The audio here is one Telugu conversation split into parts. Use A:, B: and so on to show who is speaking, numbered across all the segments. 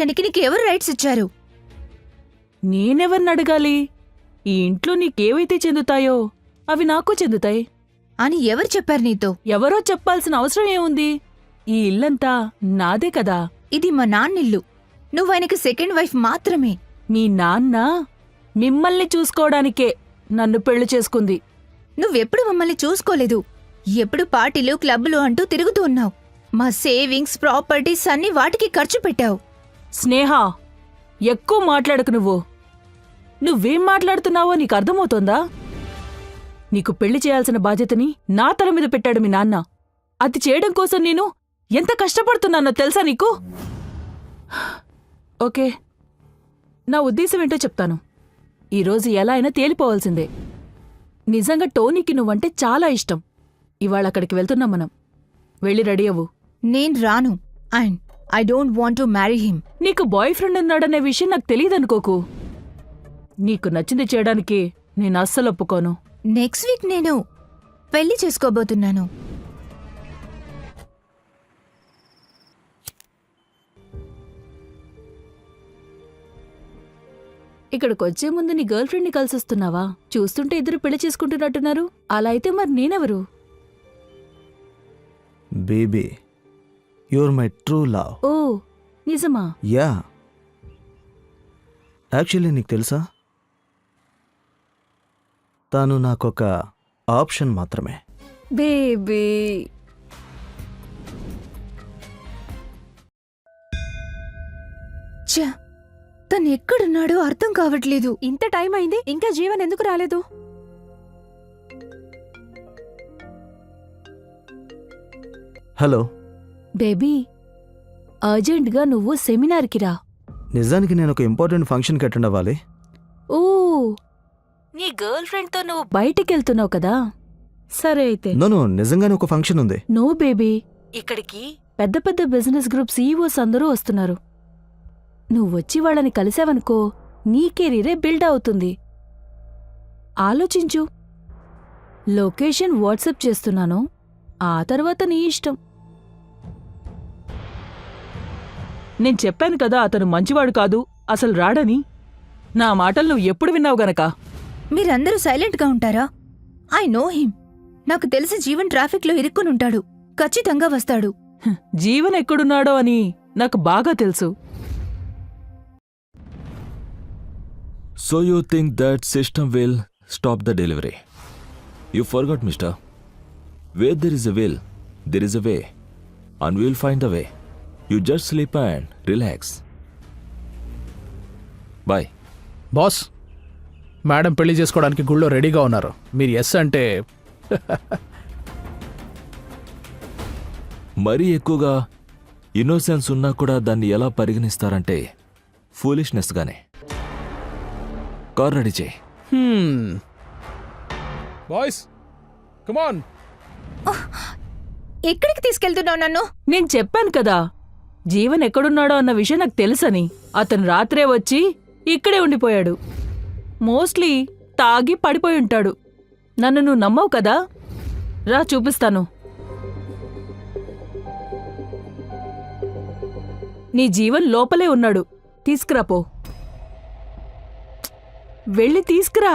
A: చేయడానికి నీకెవరు రైట్స్ ఇచ్చారు?
B: నేనెవర్ని అడగాలి? ఈ ఇంట్లో నీకేవైతే చెందుతాయో అవి నాకు చెందుతాయి
A: అని ఎవరు చెప్పారు నీతో?
B: ఎవరో చెప్పాల్సిన అవసరం ఏముంది? ఈ ఇల్లంతా నాదే కదా.
A: ఇది మా నాన్నిల్లు. నువ్వాయనకి సెకండ్ వైఫ్ మాత్రమే.
B: మీ నాన్న మిమ్మల్ని చూసుకోవడానికే నన్ను పెళ్లి చేసుకుంది.
A: నువ్వెప్పుడు మమ్మల్ని చూసుకోలేదు. ఎప్పుడు పార్టీలు క్లబ్లు అంటూ తిరుగుతూ ఉన్నావు. మా సేవింగ్స్ ప్రాపర్టీస్ అన్ని వాటికి ఖర్చు పెట్టావు.
B: స్నేహ, ఎక్కువ మాట్లాడకు నువ్వు. నువ్వేం మాట్లాడుతున్నావో నీకు అర్థమవుతోందా? నీకు పెళ్లి చేయాల్సిన బాధ్యతని నా తల మీద పెట్టాడు మీ నాన్న. అది చేయడం కోసం నేను ఎంత కష్టపడుతున్నానో తెలుసా నీకు? ఓకే, నా ఉద్దేశం ఏంటో చెప్తాను. ఈరోజు ఎలా అయినా తేలిపోవాల్సిందే. నిజంగా టోనీకి నువ్వంటే చాలా ఇష్టం. ఇవాళ అక్కడికి వెళ్తున్నాం మనం. వెళ్ళి రెడీ అవ్వు.
A: నేను రాను. And I don't want to marry him.
B: నీకు బాయ్ ఫ్రెండ్ ఉన్నాడనే విషయం నాకు తెలియదనుకోకు. నీకు నచ్చింది చేయడానికి నేను అస్సలు ఒప్పుకోను.
A: నెక్స్ట్ వీక్ నేను పెళ్లి చేసుకోబోతున్నాను.
B: ఇక్కడికొచ్చే ముందు నీ గర్ల్ ఫ్రెండ్ని కలిసొస్తున్నావా? చూస్తుంటే ఇద్దరు పెళ్లి చేసుకుంటున్నట్టున్నారు. అలా అయితే మరి నేనెవరు?
C: Baby, you're my true love.
B: ఓ, నిజమా?
C: యా, యాక్చువల్లీ నీకు తెలుసా, తాను నాకొక ఆప్షన్ మాత్రమే.
B: బేబీ,
A: ఛ, తను ఎక్కడున్నాడో అర్థం కావట్లేదు.
D: ఇంత టైం అయింది, ఇంకా జీవన్ ఎందుకు రాలేదు?
C: హలో
B: బేబీ, అర్జెంట్గా నువ్వు సెమినార్కి రా.
C: నిజానికి నేను ఒక ఇంపార్టెంట్ ఫంక్షన్కి అటెండ్ అవ్వాలి.
B: ఓ, నీ గర్ల్ ఫ్రెండ్తో నువ్వు బయటికెళ్తున్నావు కదా? సరే అయితే.
C: నో, నిజంగానే ఒక ఫంక్షన్ ఉంది.
B: నో బేబీ, ఇక్కడికి పెద్ద పెద్ద బిజినెస్ గ్రూప్ సీఈఓస్ అందరూ వస్తున్నారు. నువ్వొచ్చి వాళ్ళని కలిసావనుకో, నీ కెరీరే బిల్డ్ అవుతుంది. ఆలోచించు. లొకేషన్ వాట్సాప్ చేస్తున్నాను, ఆ తర్వాత నీ ఇష్టం. నేను చెప్పాను కదా అతను మంచివాడు కాదు, అసలు రాడని. నా మాటలు నువ్వు ఎప్పుడు విన్నావు గనక.
A: మీరందరూ సైలెంట్గా ఉంటారా? I know him. నాకు తెలిసి జీవన్ ట్రాఫిక్లో ఇరుక్కునుంటాడు. ఖచ్చితంగా వస్తాడు.
B: జీవన్ ఎక్కడున్నాడో అని నాకు బాగా తెలుసు.
E: So you think that system will stop the delivery? You forgot, mister. Where there is a will, there is a way. And we will find a way. You just sleep and relax. Bye.
F: Boss, madam పెళ్లి చేసుకోవడానికి గుళ్ళో రెడీగా ఉన్నారు. మీరు ఎస్ అంటే
E: మరీ ఎక్కువగా ఇన్నోసెన్స్ ఉన్నా కూడా దాన్ని ఎలా పరిగణిస్తారంటే ఫూలిష్నెస్గానే. కార్ రెడీ చేయి.
F: Boys, come on.
A: ఎక్కడికి తీసుకెళ్తున్నావు నన్ను?
B: నేను చెప్పాను కదా, జీవన్ ఎక్కడున్నాడో అన్న విషయం నాకు తెలుసని. అతను రాత్రే వచ్చి ఇక్కడే ఉండిపోయాడు. మోస్ట్లీ తాగి పడిపోయి ఉంటాడు. నన్ను నువ్వు నమ్మవు కదా? రా చూపిస్తాను. నీ జీవన్ లోపలే ఉన్నాడు. తీసుకురాపో. వెళ్ళి తీసుకురా.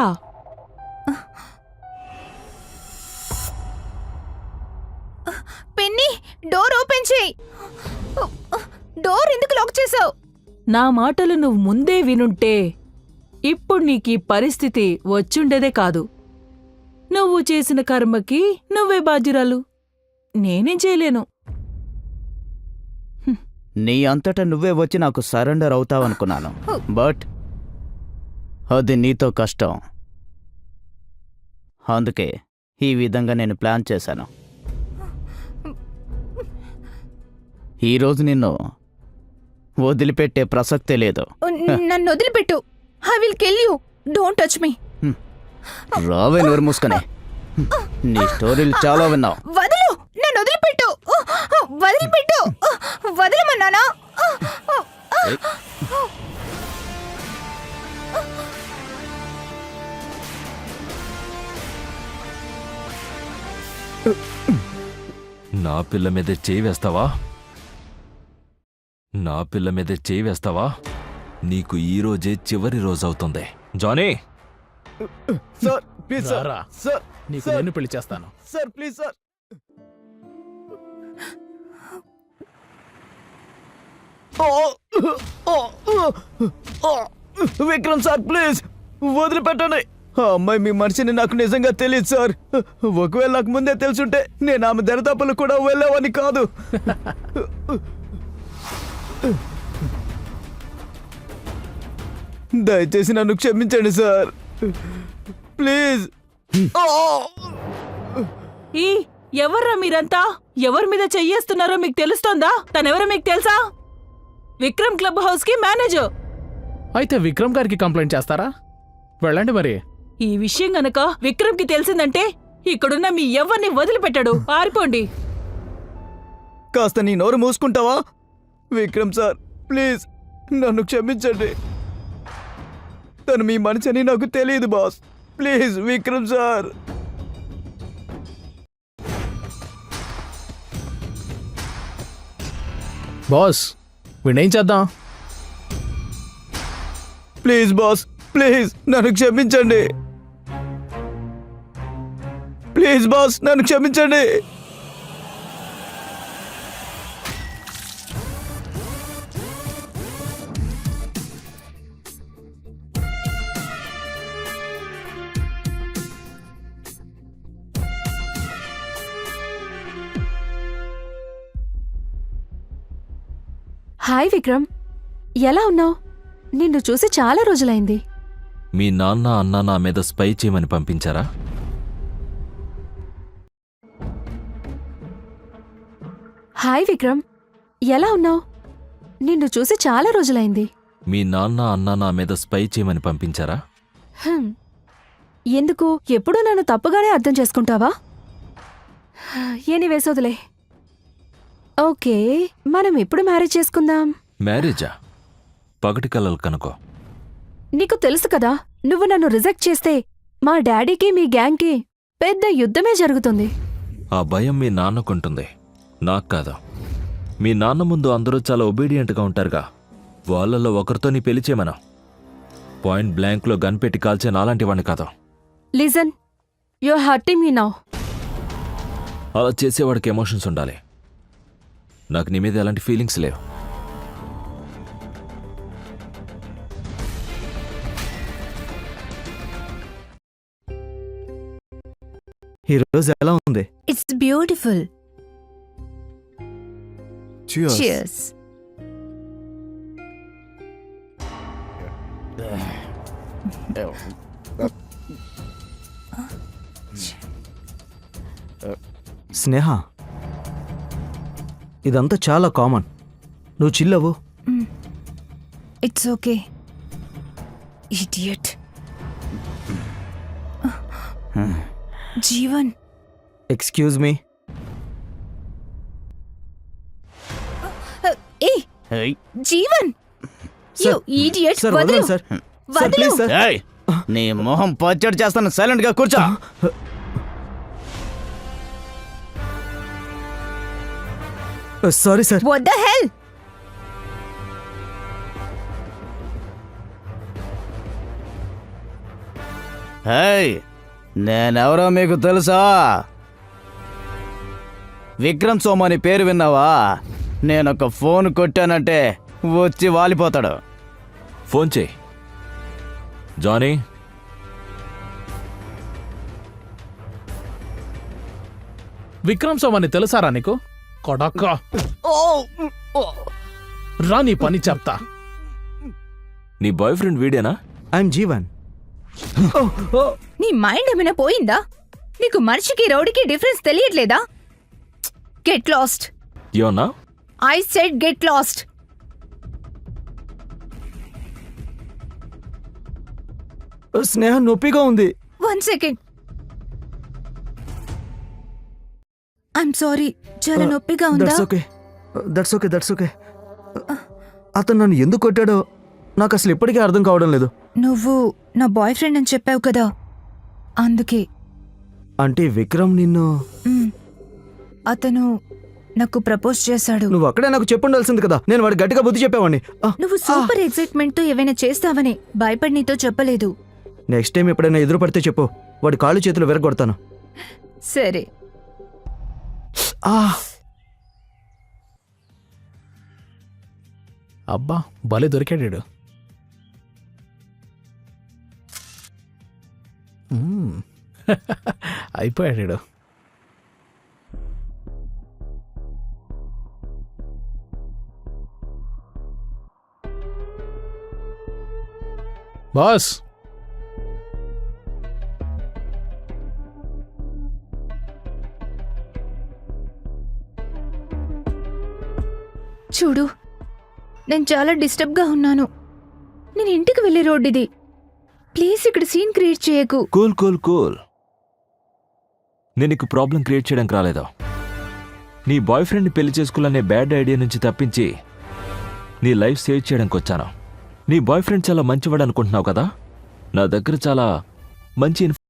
A: పెన్నీ, డోర్ ఓపెన్ చేయి. డోర్ ఎందుకు లాక్ చేసావు?
B: నా మాటలు నువ్వు ముందే వినుంటే ఇప్పుడు నీకీ పరిస్థితి వచ్చుండేదే కాదు. నువ్వు చేసిన కర్మకి నువ్వే బాధ్యురాలు. నేనేం చేయలేను.
G: నీ అంతటా నువ్వే వచ్చి నాకు సరెండర్ అవుతావనుకున్నాను, బట్ అది నీతో కష్టం. అందుకే ఈ విధంగా నేను ప్లాన్ చేశాను. ఈరోజు నిన్ను వదిలిపెట్టే ప్రసక్తే లేదు.
A: నన్ను వదిలిపెట్టు. I will kill you. Don't touch me.
G: రావే, నోరు మూసుకునే. నీ స్టోరీలు చాలా విన్నావు.
A: వదలు, నన్ను వదిలిపెట్టు. వదిలిపెట్టు. వదలమన్నానా?
E: నా పిల్ల మీద చేయి వేస్తావా? నా పిల్ల మీదే చేయి వేస్తావా? నీకు ఈ రోజే చివరి రోజు అవుతుంది. జానీ,
G: సార్ ప్లీజ్ సార్
F: రారా.
G: సార్
F: నీకు నేను పెళ్లి చేస్తాను.
G: Sir please sir Vikram sir please వదిలిపెట్టండి. ఆ అమ్మాయి మీ మనిషిని నాకు నిజంగా తెలియదు సార్. ఒకవేళ నాకు ముందే తెలుసుంటే నేను ఆమె దరిదాపులు కూడా వెళ్ళేవాడిని కాదు. దయచేసి నన్ను క్షమించండి సార్ ప్లీజ్.
B: ఈ ఎవర్రా మీరంతా? ఎవరి మీద చెయ్యేస్తున్నారో మీకు తెలుస్తోందా? తనెవరో మీకు తెలుసా? విక్రమ్ క్లబ్ హౌస్ కి మేనేజర్.
F: అయితే విక్రమ్ గారికి కంప్లైంట్ చేస్తారా? వెళ్ళండి మరి.
B: ఈ విషయం గనక విక్రమ్ కి తెలిసిందంటే ఇక్కడున్న మీ ఎవ్వరిని వదిలిపెట్టాడు. పారిపోండి.
G: కాస్త నీ నోరు మూసుకుంటావా? విక్రమ్ సార్ ప్లీజ్ నన్ను క్షమించండి. తను మీ మనిషి అని నాకు తెలియదు boss. Please Vikram sir.
F: Boss వీణేం చేద్దాం?
G: ప్లీజ్ బాస్ ప్లీజ్ నన్ను క్షమించండి. ప్లీజ్ బాస్ నన్ను క్షమించండి.
D: హాయ్ విక్రమ్, ఎలా ఉన్నావు? నిన్ను చూసి చాలా రోజులైంది.
E: మీ నాన్న అన్న నా మీద స్పై చేయమని పంపించారా?
D: హాయ్ విక్రమ్, ఎలా ఉన్నావు? నిన్ను చూసి చాలా రోజులైంది.
E: మీ నాన్న అన్న నా మీద స్పై చేయమని పంపించారా?
D: హ్మ్. ఎందుకు ఎప్పుడూ నన్ను తప్పుగానే అర్థం చేసుకుంటావా? ఎనీ వేసోదులే. ఓకే, మనం ఎప్పుడు మ్యారేజ్ చేసుకుందాం?
E: మ్యారేజా? పగటి కలలు కనుకో.
D: నీకు తెలుసు కదా, నువ్వు నన్ను రిజెక్ట్ చేస్తే మా డాడీకి మీ గ్యాంగ్కి పెద్ద యుద్ధమే జరుగుతుంది.
E: ఆ భయం మీ నాన్నకుంటుంది, నాకు కాదు. మీ నాన్న ముందు అందరూ చాలా ఒబీడియంట్గా ఉంటారుగా. వాళ్ళల్లో ఒకరితో నీ పెళ్లి చేయమనా? పాయింట్ బ్లాంక్లో గన్ పెట్టి కాల్చే నాలాంటి వాడిని కాదు.
D: Listen, you're hurting me now.
E: అలా చేసేవాడికి ఎమోషన్స్ ఉండాలి. నాకు నీ మీద ఎలాంటి ఫీలింగ్స్ లేవు.
C: ఈ రోజు ఎలా ఉంది?
A: It's beautiful. చియర్స్.
C: స్నేహ, ఇదంతా చాలా కామన్. నువ్వు చిల్లవు.
A: It's okay. Idiot. Jeevan,
C: excuse me.
A: ఏ జీవన్, యు ఇడియట్.
C: సార్
A: వదలు.
C: వదలండి సార్. సార్
A: వదలు.
C: Please sir.
G: ఏయ్, నీ మొహం పచ్చడి చేస్తాను. సైలెంట్ గా కూర్చో.
C: Sorry sir.
A: What the hell?
G: Hey, నేనెవరో మీకు తెలుసా? విక్రమ్ సోమాని పేరు విన్నావా? నేనొక ఫోన్ కొట్టానంటే వచ్చి వాలిపోతాడు.
E: ఫోన్ చేయి. జానీ,
F: విక్రమ్ సోమని తెలుసారా నీకు? కొడక్క రా, నీ పని చెప్తా.
E: నీ బాయ్ ఫ్రెండ్ వీడేనా?
C: ఐఎమ్ జీవన్.
A: నీ మైండ్ ఏమైనా పోయిందా? నీకు మనిషికి రౌడీకి డిఫరెన్స్ తెలియట్లేదా? Get lost.
E: ఏమన్నా?
A: I said get lost.
C: Sneha నొప్పిగా ఉంది.
A: 1 second. I'm sorry. చాలా నొప్పిగా ఉందా?
C: That's okay. అతను నన్ను ఎందుకు కొట్టాడో నాకు అసలు ఇప్పటికీ అర్థం కావడం లేదు.
A: నువ్వు నా బాయ్ ఫ్రెండ్ అని చెప్పావు కదా, అందుకే.
C: అంటే విక్రమ్ నిన్ను...
A: మ్, అతను నాకు ప్రపోజ్ చేశాడు.
C: నువ్వు అక్కడే నాకు చెప్పుండాల్సింది కదా, నేను వాడి గట్టిగా బుద్ధి చెప్పేవాడిని.
A: నువ్వు సూపర్ ఎక్సైట్మెంట్ తో ఏవైనా చేస్తావని భయపడి నీతో చెప్పలేదు.
C: నెక్స్ట్ టైం ఎప్పుడైనా ఎదురు పడితే చెప్పు, వాడి కాళ్ళు చేతులు విరగొడతాను.
A: సరే.
C: ఆ,
F: అబ్బా భలే దొరికాడు. అయిపోయాడు. బాస్,
A: చూడు, నేను చాలా డిస్టర్బ్గా ఉన్నాను. నేను ఇంటికి వెళ్ళే రోడ్ ఇది. ప్లీజ్ ఇక్కడ సీన్ క్రియేట్ చేయకు.
E: Cool cool cool. నేను నీకు ప్రాబ్లం క్రియేట్ చేయడానికి రాలేదా? నీ బాయ్ ఫ్రెండ్ని పెళ్లి చేసుకోవాలనే బ్యాడ్ ఐడియా నుంచి తప్పించి నీ లైఫ్ సేవ్ చేయడానికి వచ్చాను. నీ బాయ్ ఫ్రెండ్ చాలా మంచివాడు అనుకుంటున్నావు కదా, నా దగ్గర చాలా మంచి